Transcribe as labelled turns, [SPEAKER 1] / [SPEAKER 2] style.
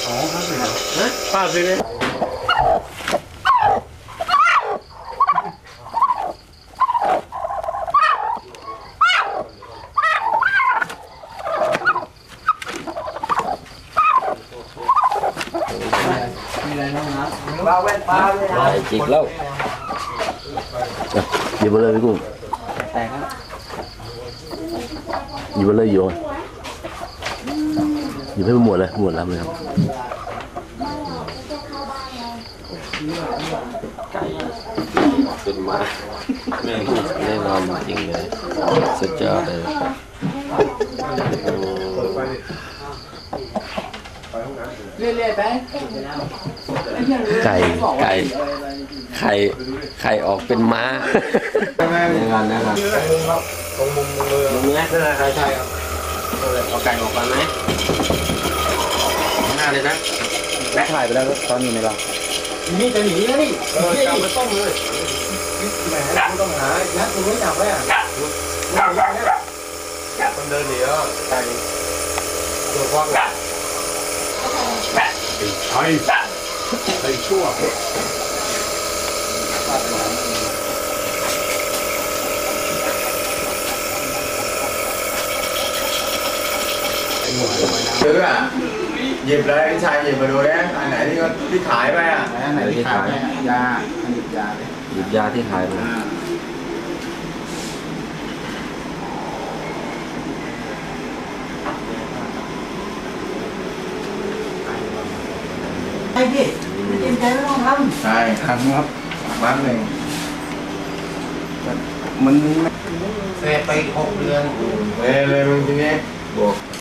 [SPEAKER 1] อ๋อครับเลยฮะ
[SPEAKER 2] ป้าซื้อไหม
[SPEAKER 1] มีอะไรบ้างนะ
[SPEAKER 3] ปลาแว่นปลาเลยนะ
[SPEAKER 4] จิกแล้วหยิบไปเลยพี่กุ้ง
[SPEAKER 1] แต่ครับ
[SPEAKER 4] หยิบไปเลยโยนหยิบให้หมดเลยหมดแล้วเลยครับ
[SPEAKER 5] สุดมาแน่นอนจริงเลยสุดยอดเลย
[SPEAKER 1] เรื่อยๆไป
[SPEAKER 4] ไก่
[SPEAKER 5] ไข่ออกเป็นม้าแน่นอนนะครับตรงมุมเลยมุมนี้ใช่ครับเอาไก่ออกมาไหมข้างหน้าเลยนะ
[SPEAKER 2] ถ่ายไปแล้วตอนอยู่ในเรา
[SPEAKER 3] นี่จะหนีแล้วนี่จับมาต้มเลยแหมต้องหายัดตัวไม่จับไว้อ่ะมันเดินหนีแล้วไก่ตัวฟองไอ้ชั่วซื้ออ่ะหยิบเลยพี่ชายหยิบมาดูนะอันไหนที่ขายไปอ่ะ
[SPEAKER 1] อันไหนที่ขายยาอันหยิบยาเลย
[SPEAKER 5] หยิบยาที่ขายมา
[SPEAKER 3] ไอ้พี่ไม่เต็มใจไม่ต้องทำใช่
[SPEAKER 1] ทำครับ
[SPEAKER 3] บ้านหนึ่ง
[SPEAKER 1] มัน
[SPEAKER 3] เสพไป6 เดือนเลยมึงทีนี้